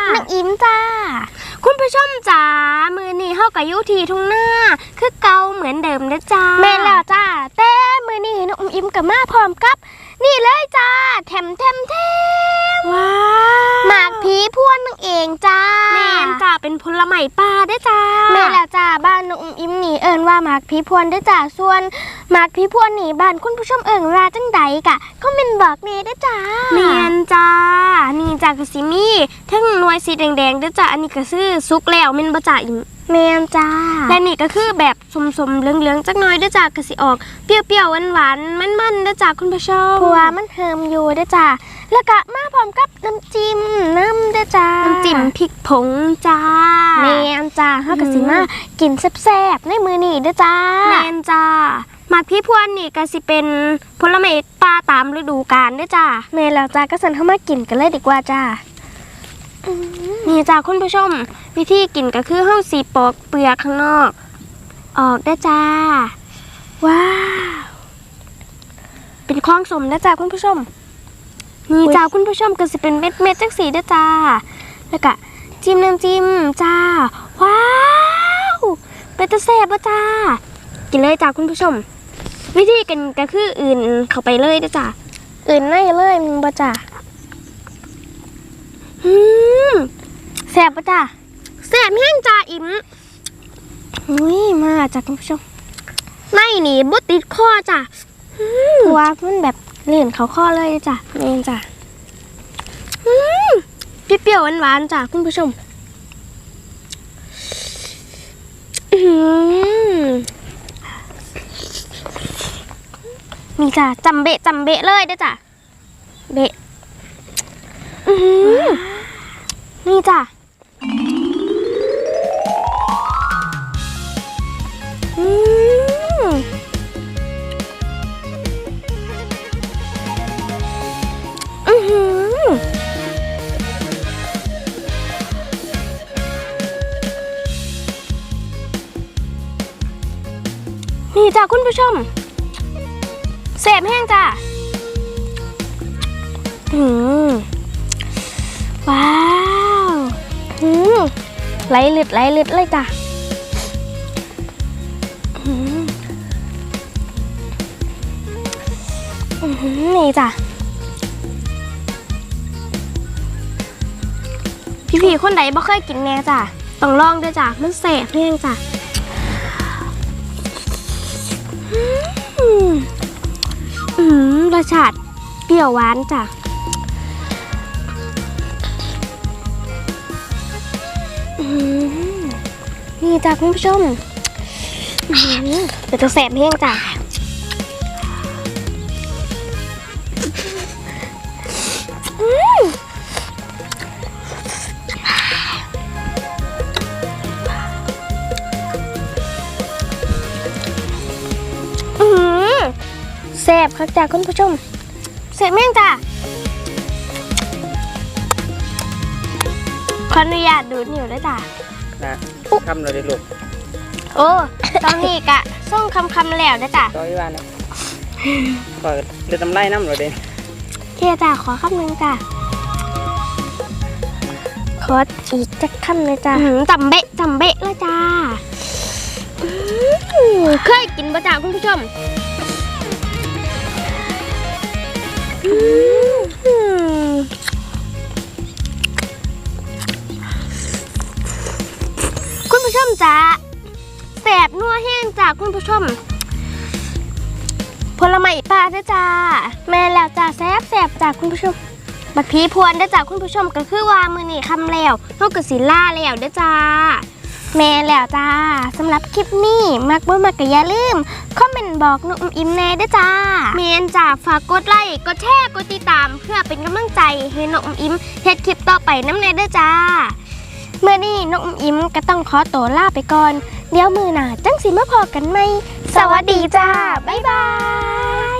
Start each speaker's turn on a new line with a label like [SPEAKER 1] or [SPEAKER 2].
[SPEAKER 1] น้องอิมจ้าคุณผู้ชมจ๋ามือนี้เฮากับยุทีทุ่งหน้าคือเก่าเหมือนเดิมนะจ้าแม่แล้วจ้าแต่มือนี้น้องอิมกับมาพร้อมกับนี่เลยจ้าแถมว้าหมากผีพวนนั่งเองจ้าแม่จ้าเป็นผลไม้ป่าได้จ้าแม่แล้วจ้าบ้านน้องอิมนี่เอิ้นว่าหมากผีพวนได้จ้าส่วนหมากผีพวนนี่บ้านคุณผู้ชมเอิ้นว่าจังใดกะคอมเมนต์บอกแม่ได้จ้าแม่จ้านี่จ้ากะสิมีทั้งหน่วยสีแดงๆได้จ้าอันนี้ก็คือสุกแล้วแม่นบ่จ้าอิมแม่จ้าและนี่ก็คือแบบสมๆเหลืองๆจักหน่อยได้จ้ากะสิออกเปรี้ยวๆหวานๆมันๆได้จ้าคุณผู้ชมเพราะว่ามันเฮิมอยู่ได้จ้าแล้วก็มาพร้อมกับน้ำจิ้มน้ำได้จ้าน้ำจิ้มพริกผงจ้าแม่จ้าเฮาก็สิมากินแซ่บๆในมื้อนี้ได้จ้าแม่จ้าหมากพี่พวนนี่ก็สิเป็นผลไม้ป่าตามฤดูกาลได้จ้าแม่แล้วจ้าก็สั่นเฮามากินกันเลยดีกว่าจ้านี่จ้าคุณผู้ชมวิธีกินก็คือเฮาสิปอกเปลือกข้างนอกออกได้จ้าว้าวเป็นของสมนะจ้าคุณผู้ชมนี่จ้าคุณผู้ชมก็สิเป็นเม็ดจังสีได้จ้าแล้วก็จิ้มน้ำจิ้มจ้าว้าวเป็นตะแซ่บป่ะจ้ากินเลยจ้าคุณผู้ชมวิธีกันก็คืออื่นเข้าไปเลยได้จ้าอื่นในเลยมึงป่ะจ้าแซ่บป่ะจ้าแซ่บแห้งจ้าอิ่มมาจ้าคุณผู้ชมไม่หนีบุติดคอจ้าว่ามันแบบเลื่อนเขาข้อเลยจ้ะเองจ้ะเปรี้ยวๆหวานๆจ้ะคุณผู้ชมนี่จ้ะจำเบะเลยได้จ้ะเบะนี่จ้ะนี่จ้าคุณผู้ชมแสบแห้งจ้าว้าวไหลเลือดเลยจ้านี่จ้าพี่คนใดบ่เคยกินแน่จ้าต้องลองด้วยจ้ามันแสบแห้งจ้ารสชาติเปรี้ยวหวานจ้ะนี่จ้ะคุณผู้ชมเดี๋ยวจะแสบแห้งจ้ะแซ่บครับจ้าคุณผู้ชมแซ่บแม่งจ้าขออนุญาตดูดนิ้วได้จ้า
[SPEAKER 2] คำเราได้ลูก
[SPEAKER 1] โอ้ตอนนี้กะส่งคำแล้วได้จ้า
[SPEAKER 2] ตอนที่ว่าเนี่ยก็เดือดน้ำไล่น้ำเราเด้
[SPEAKER 1] เคียจ้าขอคำหนึ่งจ้าขออีกจักคำเลยจ้าจำเบะเลยจ้าเคยกินป่ะจ้าคุณผู้ชมคุณผู้ชมจ้าแสบนัวแห้งจากคุณผู้ชมผลไม้ป่าด้วยจ้าแม่แล้วจ้าแสบจากคุณผู้ชมบักผีพวนด้วยจ้าคุณผู้ชมก็คือว่ามือนี่คำแล้วเท่ากับสิล่าแล้วด้วยจ้าแม่แล้วจ้าสำหรับคลิปนี้มักบ่มักก็อย่าลืมคอมเมนต์บอกน้องอิมแน่ด้วยจ้าแม่นจ้าฝากกดไลค์กดแชร์กดติดตามเพื่อเป็นกำลังใจให้น้องอิมเฮ็ดคลิปต่อไปน้ำแน่ด้วยจ้าเมื่อนี้น้องอิมก็ต้องขอตัวลาไปก่อนเดี๋ยวมือหน้าจังสิมาพอกันไหมสวัสดีจ้าบ๊ายบาย